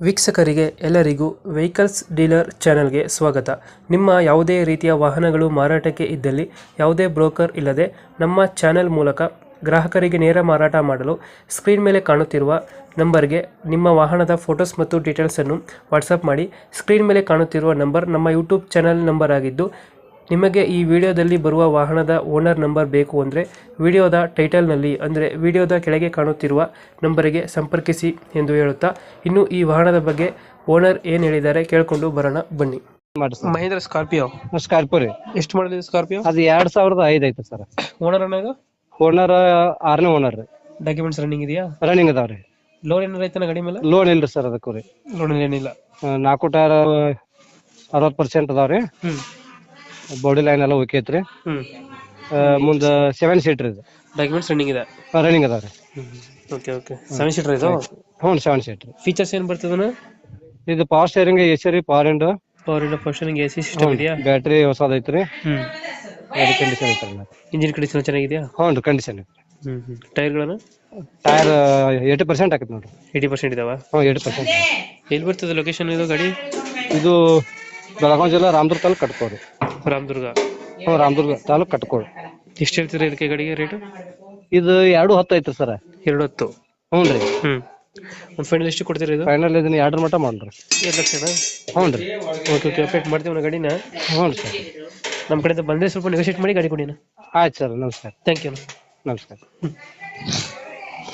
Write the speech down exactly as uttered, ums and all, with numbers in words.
ವೀಕ್ಷಕರಿಗೆ ಎಲ್ಲರಿಗೂ vehicles dealer ಚಾನೆಲ್ಗೆ ಸ್ವಾಗತ. ನಿಮ್ಮ ಯಾವುದೇ ರೀತಿಯ ವಾಹನಗಳು ಮಾರಾಟಕ್ಕೆ ಇದ್ದಲ್ಲಿ ಯಾವುದೇ ಬ್ರೋಕರ್ ಇಲ್ಲದೆ ನಮ್ಮ ಚಾನೆಲ್ ಮೂಲಕ ಗ್ರಾಹಕರಿಗೆ ನೇರ ಮಾರಾಟ ಮಾಡಲು ಸ್ಕ್ರೀನ್ ಮೇಲೆ ಕಾಣುತ್ತಿರುವ ನಂಬರ್ಗೆ ನಿಮ್ಮ ವಾಹನದ ಫೋಟೋಸ್ ಮತ್ತು ಡೀಟೇಲ್ಸನ್ನು ವಾಟ್ಸಪ್ ಮಾಡಿ. ಸ್ಕ್ರೀನ್ ಮೇಲೆ ಕಾಣುತ್ತಿರುವ ನಂಬರ್ ನಮ್ಮ ಯೂಟ್ಯೂಬ್ ಚಾನೆಲ್ ನಂಬರ್ ಆಗಿದ್ದು, ನಿಮಗೆ ಈ ವಿಡಿಯೋದಲ್ಲಿ ಬರುವ ವಾಹನದ ಓನರ್ ನಂಬರ್ ಬೇಕು ಅಂದರೆ ವಿಡಿಯೋದ ಟೈಟಲ್ನಲ್ಲಿ ಅಂದರೆ ವಿಡಿಯೋದ ಕೆಳಗೆ ಕಾಣುತ್ತಿರುವ ನಂಬರಿಗೆ ಸಂಪರ್ಕಿಸಿ ಎಂದು ಹೇಳುತ್ತಾ, ಇನ್ನು ಈ ವಾಹನದ ಬಗ್ಗೆ ಓನರ್ ಏನು ಹೇಳಿದ್ದಾರೆ ಕೇಳಿಕೊಂಡು ಬರೋಣ ಬನ್ನಿ. ಮಹೇಂದ್ರ ಸ್ಕಾರ್ಪಿಯೋ ಸ್ಕಾರ್ಪಿಯೋ ರೀ. ಎಷ್ಟು ಮಾಡಲ್ ಇದೆ ಸ್ಕಾರ್ಪಿಯೋ? ಅದು ಎರಡ್ ಸಾವಿರದ ಐದ್ ಐತೆ ಸರ್. ಓನರ್ ಅನ್ನೋದು ಓನರ್ ಆರನೇ ಓನರ್ ರೀ. ಡಾಕ್ಯುಮೆಂಟ್ಸ್ ರನ್ನಿಂಗ್ ಇದೆಯಾ? ರನ್ನಿಂಗ್ ಅದಾವ್ರಿ. ಲೋನ್ ಏನಾರ ಐತನ ಗಾಡಿ ಮೇಲೆ? ಲೋನ್ ಇಲ್ರಿ ಸರ್ ಅದಕ್ಕೂ ರೀ. ಲೋನ್ ಏನಿಲ್ಲ. ನಾಲ್ಕು ಟೈರ್ ಅರವತ್ತು ಪರ್ಸೆಂಟ್ ಅದಾವ್ರಿ. ಹ್ಮ್ ಬಾಡಿ ಲೈನ್ ಎಲ್ಲ ಓಕೆ ಐತ್ರಿ. ಹ್ಮ್ ಮುಂದ ಸೆವೆನ್ ಸೀಟರ್ ಇದು. ಡಾಕ್ಯುಮೆಂಟ್ಸ್ ರನ್ನಿಂಗ್ ಇದೆ. ರನ್ನಿಂಗ್ ಅದಾವ್ರಿ. ಓಕೆ ಓಕೆ ಸೆವೆನ್ ಸೀಟರ್ ಇದು? ಹ್ಞೂ ಸೆವೆನ್ ಸೀಟರ್. ಫೀಚರ್ಸ್ ಏನ್ ಬರ್ತದನ? ಇದು ಪವರ್ ಸ್ಟೇರಿಂಗ್, ಎ ಸಿ ರೀ, power window, power window, functioning, A C system ಇದೆಯಾ? ಬ್ಯಾಟ್ರಿ ಹೊಸದ ಐತ್ರಿ. ಹ್ಮ್ ಗಾಡಿ ಕಂಡೀಷನ್ ಐತ್ರಿ. ಇಂಜಿನ್ ಕಂಡೀಷನ್ ಚೆನ್ನಾಗಿದೆಯಾ? ಹ್ಞೂ ರೀ, ಕಂಡೀಷನ್ ಐತ್ರಿ. ಹ್ಮ್ ಹ್ಮ್ ಟೈರ್ಗಳನ್ನು? ಟೈರ್ ಏಯ್ಟಿ ಪರ್ಸೆಂಟ್ ಆಕೈತಿ ನೋಡ್ರಿ. ಏಯ್ಟಿ ಪರ್ಸೆಂಟ್ ಇದಾವ? ಹ್ಞೂ ಏಯ್ಟಿ ಪರ್ಸೆಂಟ್. ಎಲ್ಲಿ ಬರ್ತದೆ ಲೊಕೇಶನ್ ಇದು ಗಾಡಿ? ಇದು ಬೆಳಗಾವಿ ಜಿಲ್ಲಾ ರಾಮದುರ್ಗ ತಾಲೂಕು ಕಟ್ಕೋರಿ. ರಾಮದುರ್ಗ? ಹ್ಞೂ ರಾಮದುರ್ಗ ತಾಲೂಕು ಕಟ್ಕೋರಿ. ಎಷ್ಟು ಹೇಳ್ತೀರಾ ಇದಕ್ಕೆ ಗಾಡಿಗೆ ರೇಟು? ಇದು ಎರಡು ಹತ್ತು ಐತ್ರಿ ಸರ್. ಎರಡು ಹತ್ತು? ಹ್ಞೂ ರೀ. ಹ್ಮ್ ಒಂದು ಫೈನಲ್ ಎಷ್ಟು ಕೊಡ್ತೀರಾ ಇದು? ಫೈನಲ್ ಇದನ್ನ ಎರಡರ ಮಟ್ಟ ಮಾಡ್ರಿ. ಎರಡು ಲಕ್ಷನಾ? ಹ್ಞೂ ರೀ. ಓಕೆ ಓಕೆ ಅಪ್ಡೇಟ್ ಮಾಡ್ತೀವಿ ನಾವು ಗಾಡಿನ. ಹ್ಞೂ ಸರ್. ನಮ್ಮ ಕಡೆಯಿಂದ ಬಂದರೆ ಸ್ವಲ್ಪ ನೆಗೋಷಿಯೇಟ್ ಮಾಡಿ ಗಾಡಿ ಕೊಡಿ. ಆಯ್ತು ಸರ್, ನಮಸ್ಕಾರ. Thank you. ನಮಸ್ಕಾರ.